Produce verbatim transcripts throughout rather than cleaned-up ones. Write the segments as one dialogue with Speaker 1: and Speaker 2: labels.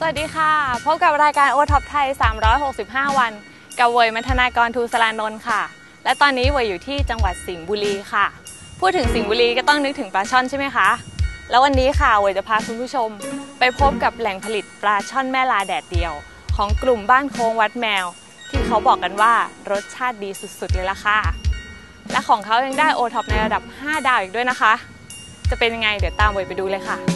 Speaker 1: วัสดีค่ะพบกับรายการโอท็อปไทยสามร้อยหกสิบห้าวันกับเวยมัทนากรทูสรานนท์ค่ะและตอนนี้เวยอยู่ที่จังหวัดสิงห์บุรีค่ะพูดถึงสิงห์บุรีก็ต้องนึกถึงปลาช่อนใช่ไหมคะแล้ววันนี้ค่ะเวยจะพาคุณผู้ชมไปพบกับแหล่งผลิตปลาช่อนแม่ลาแดดเดียวของกลุ่มบ้านโค้งวัดแมวที่เขาบอกกันว่ารสชาติดีสุดๆเลยล่ะค่ะและของเขายังได้โอท็อปในระดับห้าดาวอีกด้วยนะคะจะเป็นยังไงเดี๋ยวตามเวยไปดูเลยค่ะ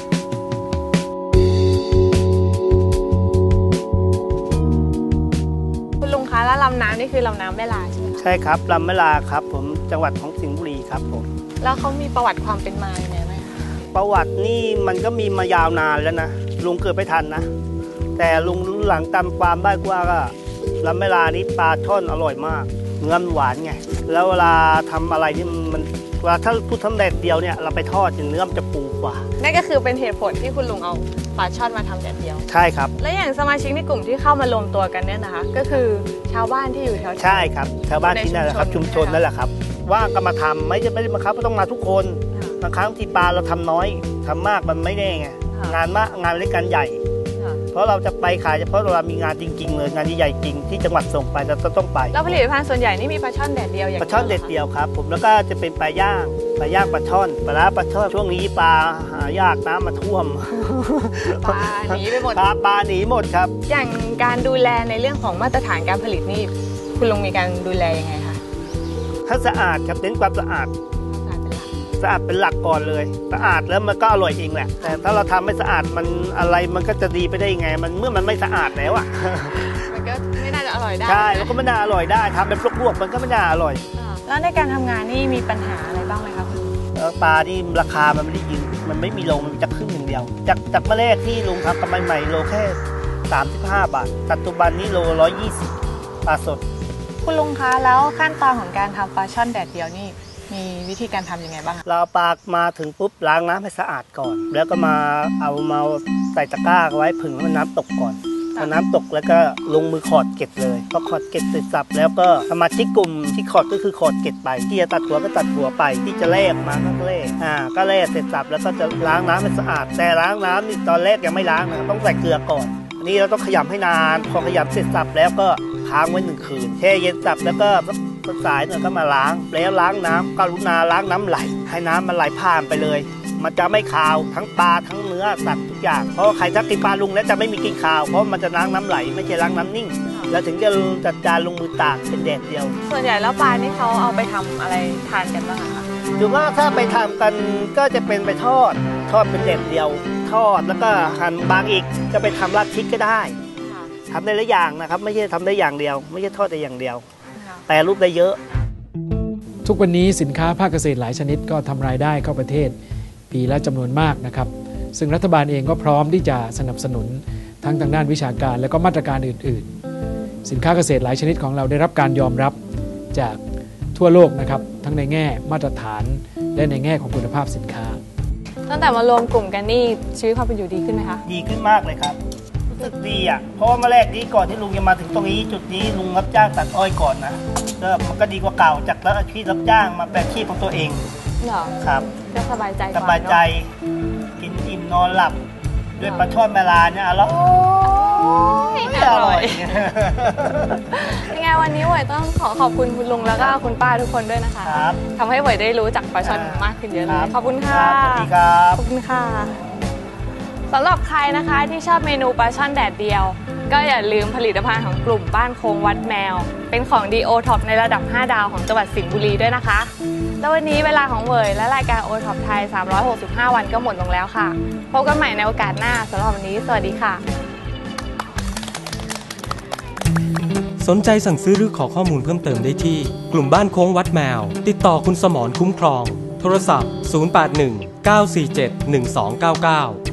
Speaker 1: คุณลุงคะแล้วลำน้ำนี่คือลำน้ำแม่ลาใช่ไหม
Speaker 2: ใช่ครับลำแม่ลาครับผมจังหวัดของสิงห์บุรีครับผม
Speaker 1: แล้วเขามีประวัติความเป็นมาอย่างไรไหมคะ
Speaker 2: ประวัตินี่มันก็มีมายาวนานแล้วนะลุงเกิดไม่ทันนะแต่ลุงหลังตามความได้ว่าก็ลำแม่ลานี้ปลาช่อนอร่อยมากเนื้อหวานไงแล้วเวลาทำอะไรที่มันเวลาถ้าพูดทำแดดเดียวเนี่ยเราไปทอดเนื้อมันจะปูกว่า
Speaker 1: นั่นก็คือเป็นเหตุผลที่คุณลุงเอาปลาช่อนมาทำแดดเดียว
Speaker 2: ใช่ครับ
Speaker 1: และอย่างสมาชิกในกลุ่มที่เข้ามารวมตัวกันเนี่ยนะคะก็คือชาวบ้านที่อยู่แถว
Speaker 2: ใช่ครับชาวบ้านที่นั่นแหละครับชุมชนนั่นแหละครับว่างก็มาทำไม่จะไม่ได้มาครับต้องมาทุกคนบางครั้งที่ปลาเราทำน้อยทำมากมันไม่แน่ไงงานมากงานเล็กงานใหญ่เพราะเราจะไปขายเฉพาะเรามีงานจริงๆเลยงานใหญ่จริงที่จังหวัดส่งไปเราต้องไป
Speaker 1: แล้วผลิตภัณฑ์ส่วนใหญ่นี่มีปลาช่อนแดดเดียวอย่าง
Speaker 2: ปลาช่อนแดดเดียวครับผมแล้วก็จะเป็นปลาย่างปลาย่างปลาช่อนปลาปลาช่อนช่วงนี้ปลาหายากน้ำมาท่วม
Speaker 1: ปลาหนีไปหมด
Speaker 2: ปลาหนีหมดครับ
Speaker 1: อย่างการดูแลในเรื่องของมาตรฐานการผลิตนี่คุณลุงมีการดูแลยังไงคะ
Speaker 2: ถ้าสะอาดครับเน้นความสะอาดสะอาดเป็นหลักก่อนเลยสะอาดแล้วมันก็อร่อยเองแหละแต่ถ้าเราทำไม่สะอาดมันอะไรมันก็จะดีไปได้ยังไงมันเมื่อมันไม่สะอาดแล้วอ่ะ
Speaker 1: มันก็ไม่น่าจะอร่อยได้
Speaker 2: ใช่แล้วก็ไม่น่าอร่อยได้ทำเป็นลวกๆมันก็ไม่น่าอร่อย
Speaker 1: แล้วในการทำงานนี่มีปัญหาอะไรบ้างไหมครับ
Speaker 2: ปลาที่ราคามันไม่ได้ยิงมันไม่มีโลมันจะครึ่งหนึ่งเดียวจากจากเมื่อแรกที่ลุงทำกำไรใหม่โลแค่สามสิบห้าบาทปัจจุบันนี้โลร้อยยี่สิบปลาสด
Speaker 1: คุณลุงคะแล้วขั้นตอนของการทำปลาช่อนแดดเดียวนี่มีวิธีการทำยังไงบ้าง
Speaker 2: เราปลามาถึงปุ๊บล้างน้ำให้สะอาดก่อนแล้วก็มาเอามาใส่ตะกร้าไว้ผึ่งให้น้ำตกก่อนพอน้ำตกแล้วก็ลงมือขอดเกล็ดเลยพอขอดเกล็ดเสร็จสับแล้วก็สมาชิกกลุ่มที่ขอดก็คือขอดเกล็ดไปที่จะตัดหัวก็ตัดหัวไปที่จะแลกมาก็แลกอ่าก็แลกเสร็จสับแล้วก็จะล้างน้ำให้สะอาดแต่ล้างน้ำนี่ตอนแรกยังไม่ล้างนะต้องใส่เกลือก่อนอันนี้เราต้องขยำให้นานพอขยำเสร็จสับแล้วก็ค้างไว้หนึ่งคืนแช่เย็นสับแล้วก็สายหน่อยก็มาล้างแล้วล้างน้ำกรุณาล้างน้ำไหลให้น้ำมันไหลผ่านไปเลยมันจะไม่คาวทั้งปลาทั้งเนื้อสัตว์ทุกอย่างเพราะใครถ้ากินปลาลุงแล้วจะไม่มีกลิ่นคาวเพราะมันจะล้างน้ำไหลไม่ใช่ล้างน้ำนิ่งแล้วถึงจะจัดจานลงมือตากเป็นแดดเดียว
Speaker 1: ส่วนใหญ่แล้วปลานี่เขาเอาไปทำอะไรทานกันบ้างคะ
Speaker 2: หรือว่าถ้าไปทำกันก็จะเป็นไปทอดทอดเป็นแดดเดียวทอดแล้วก็หั่นบางอีกจะไปทำราดพริกก็ได้ทำได้หลายอย่างนะครับไม่ใช่ทำได้อย่างเดียวไม่ใช่ทอดได้อย่างเดียวแปรรูปได้เยอะ
Speaker 3: ทุกวันนี้สินค้าภาคเกษตรหลายชนิดก็ทำรายได้เข้าประเทศปีละจำนวนมากนะครับซึ่งรัฐบาลเองก็พร้อมที่จะสนับสนุนทั้งทางด้านวิชาการและก็มาตรการอื่นๆสินค้าเกษตรหลายชนิดของเราได้รับการยอมรับจากทั่วโลกนะครับทั้งในแง่มาตรฐานและในแง่ของคุณภาพสินค้า
Speaker 1: ตั้งแต่มารวมกลุ่มกันนี่ชีวิตความเป็นอยู่ดีขึ้นไหมคะ
Speaker 2: ดีขึ้นมากเลยครับรู้สึกดีอ่ะเพราะว่าเมื่อแรกนี้ก่อนที่ลุงจะมาถึงตรงนี้จุดนี้ลุงรับจ้างตัดอ้อยก่อนนะก็มันก็ดีกว่าเก่าจากแล้วอาชีพรับจ้างมาเป็นอาชีพของตัวเอง
Speaker 1: เหรอ
Speaker 2: ครับ
Speaker 1: ก็สบายใจ
Speaker 2: สบายใจกินอิ่มนอนหลับด้วยปลาช่อนแมลาเนี่ยอร่อยอร่อย
Speaker 1: ยังไงวันนี้หวยต้องขอขอบคุณคุณลุงแล้วก็คุณป้าทุกคนด้วยนะคะทำให้หวยได้รู้จักปลาช่อนมากขึ้นเยอะเลยขอบคุณค่ะ
Speaker 2: สวัสดีครับ
Speaker 1: ขอบคุณค่ะสำหรับใครนะคะที่ชอบเมนูปลาช่อนแดดเดียวก็อย่าลืมผลิตภัณฑ์ของกลุ่มบ้านโค้งวัดแมวเป็นของดีโอท็อปในระดับห้าดาวของจังหวัดสิงห์บุรีด้วยนะคะแล้ววันนี้เวลาของเวยและรายการโอท็อปไทยสามร้อยหกสิบห้าวันก็หมดลงแล้วค่ะพบกันใหม่ในโอกาสหน้าสำหรับวันนี้สวัสดีค่ะ
Speaker 4: สนใจสั่งซื้อหรือขอข้อมูลเพิ่มเติมได้ที่กลุ่มบ้านโค้งวัดแมวติดต่อคุณสมรคุ้มครองโทรศัพท์ศูนย์ แปด หนึ่ง เก้า สี่ เจ็ด หนึ่ง สอง เก้า เก้า